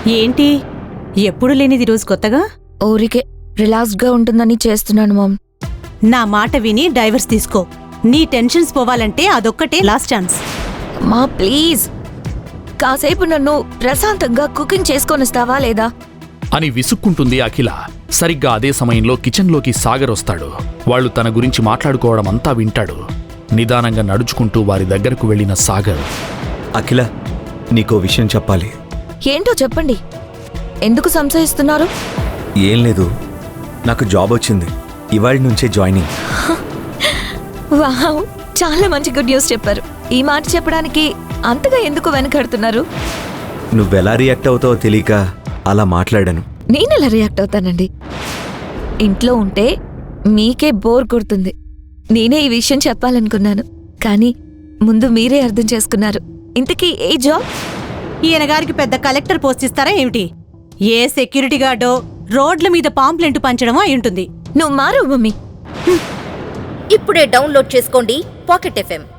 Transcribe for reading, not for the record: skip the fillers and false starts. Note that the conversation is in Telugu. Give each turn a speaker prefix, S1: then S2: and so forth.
S1: ఏంటి ఎప్పుడు లేనిది రోజు కొత్తగా?
S2: ఊరికే రిలాక్స్గా ఉంటుందని చేస్తున్నాను మామ్.
S1: నా మాట విని డైవర్స్ తీసుకో. నీ టెన్షన్స్ పోవాలంటే అదొక్కటే లాస్ట్ ఛాన్స్.
S2: మా ప్లీజ్ కాసేపు నన్ను ప్రశాంతంగా కుకింగ్ చేసుకొనిస్తావా లేదా
S3: అని విసుక్కుంటుంది అఖిల. సరిగ్గా అదే సమయంలో కిచెన్లోకి సాగర్ వస్తాడు. వాళ్ళు తన గురించి మాట్లాడుకోవడమంతా వింటాడు. నిదానంగా నడుచుకుంటూ వారి దగ్గరకు వెళ్లిన సాగర్,
S4: అఖిల, నీకో విషయం చెప్పాలి.
S2: ఏంటో చెప్పండి. ఎందుకు సంశయిస్తున్నారు?
S4: ఏం లేదు, నాకు జాబ్ వచ్చింది. ఇవాళ నుంచే జాయినింగ్.
S2: వావ్, చాలా మంచి గుడ్ న్యూస్ చెప్పారు. ఈ మాట చెప్పడానికి అంతగా ఎందుకు వెనకడుతున్నారు?
S4: నువ్వెలా రియాక్ట్ అవుతావో తెలియక అలా మాట్లాడాను.
S2: నేనెలా రియాక్ట్ అవుతానండి? ఇంట్లో ఉంటే మీకే బోర్ కొడుతుంది. నేనే ఈ విషయం చెప్పాలనుకున్నాను, కానీ ముందు మీరే అర్థం చేసుకున్నారు. ఇంతకీ ఏ జాబ్?
S1: ఈయనగారికి పెద్ద కలెక్టర్ పోస్ట్ ఇస్తారా ఏమిటి? ఏ సెక్యూరిటీ గార్డో రోడ్ల మీద పాంప్లెంట్ పంచడమో అయ్యుంటుంది.
S2: నువ్వు మారు మమ్మీ.
S5: ఇప్పుడే డౌన్లోడ్ చేసుకోండి పాకెట్ FM.